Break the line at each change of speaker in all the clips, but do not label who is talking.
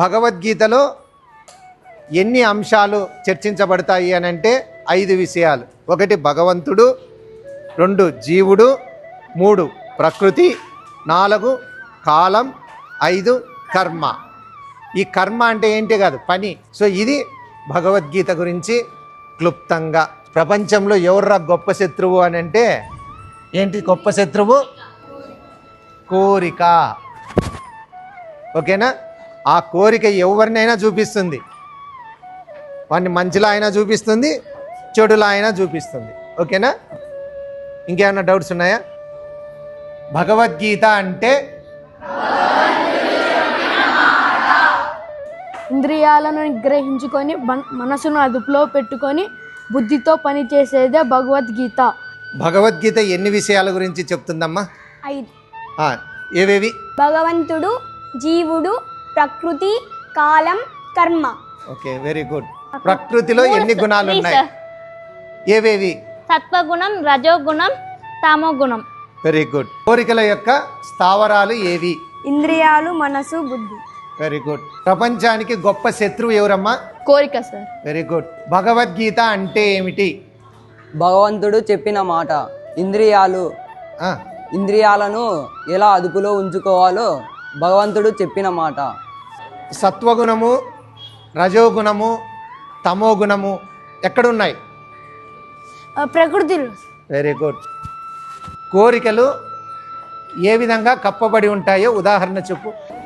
భగవద్గీతలో ఎన్ని అంశాలు చర్చించబడతాయి అని అంటే 5 విషయాలు. 1 భగవంతుడు, 2 జీవుడు, 3 ప్రకృతి, 4 కాలం, 5 కర్మ. ఈ కర్మ అంటే ఏంటి కాదు, పని. సో ఇది భగవద్గీత గురించి క్లుప్తంగా. ప్రపంచంలో ఎవర్రా గొప్ప శత్రువు అని అంటే ఏంటి గొప్ప శత్రువు? కోరిక. ఓకేనా? ఆ కోరిక ఎవరినైనా చూపిస్తుంది. వాడిని మంచిలా అయినా చూపిస్తుంది, చెడులా అయినా చూపిస్తుంది. ఓకేనా? ఇంకేమైనా డౌట్స్ ఉన్నాయా? భగవద్గీత అంటే
ఇంద్రియాలను నిగ్రహించుకొని మనసును అదుపులో పెట్టుకొని బుద్ధితో పని చేసేదే భగవద్గీత.
భగవద్గీత ఎన్ని విషయాల గురించి చెప్తుందమ్మా?
5.
ఏవేవి?
భగవంతుడు, జీవుడు, ప్రకృతి, కాలం, కర్మ.
Okay, very good. ప్రకృతిలో ఎన్ని గుణాలు ఉన్నాయి? ఏవేవి?
సత్వగుణం, రజోగుణం, తమోగుణం.
Very good. కోరికల యొక్క స్థావరాలు ఏవి?
ఇంద్రియాలు, మనసు, బుద్ధి.
Very good. ప్రపంచానికి గొప్ప శత్రువు ఎవరమ్మా?
కోరిక సార్.
Very good. భగవద్గీత అంటే ఏమిటి?
భగవంతుడు చెప్పిన మాట. ఇంద్రియాలను ఎలా అదుపులో ఉంచుకోవాలో భగవంతుడు చెప్పిన మాట.
సత్వగుణము, రజోగుణము, తమోగుణము ఎక్కడున్నాయి?
ప్రకృతిలో.
Very good. కోరికలు ఏ విధంగా కప్పబడి ఉంటాయో ఉదాహరణ చెప్పు.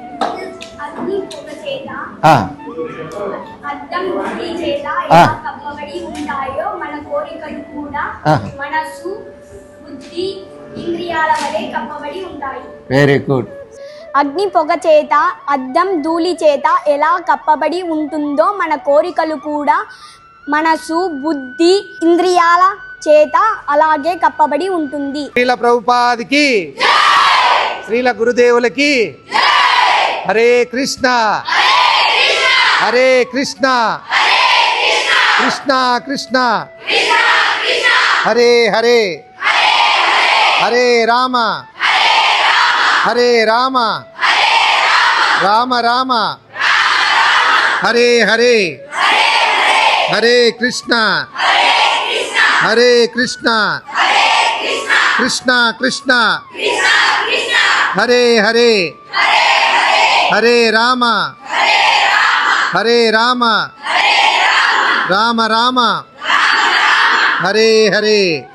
అద్దం బుద్ధి చేత ఎలా కప్పబడి ఉంటాయో మన కోరికలు కూడా మనసు, బుద్ధి, ఇంద్రియాల వలె కప్పబడి ఉంటాయి.
Very good.
అగ్ని పొగ చేత, అద్దం ధూళి చేత ఎలా కప్పబడి ఉంటుందో మన కోరికలు కూడా మనసు, బుద్ధి, ఇంద్రియాల చేత అలాగే కప్పబడి ఉంటుంది.
శ్రీల ప్రభుపాదికి, శ్రీల గురుదేవులకి. హరే కృష్ణ హరే కృష్ణ కృష్ణ కృష్ణ హరే హరే, హరే రామ హరే రామ, రామ రామ హరే హరే, హరే కృష్ణ హరే కృష్ణ కృష్ణ కృష్ణ హరే హరే, హరే రామ హరే రామ, రామ రామ హరే హరే.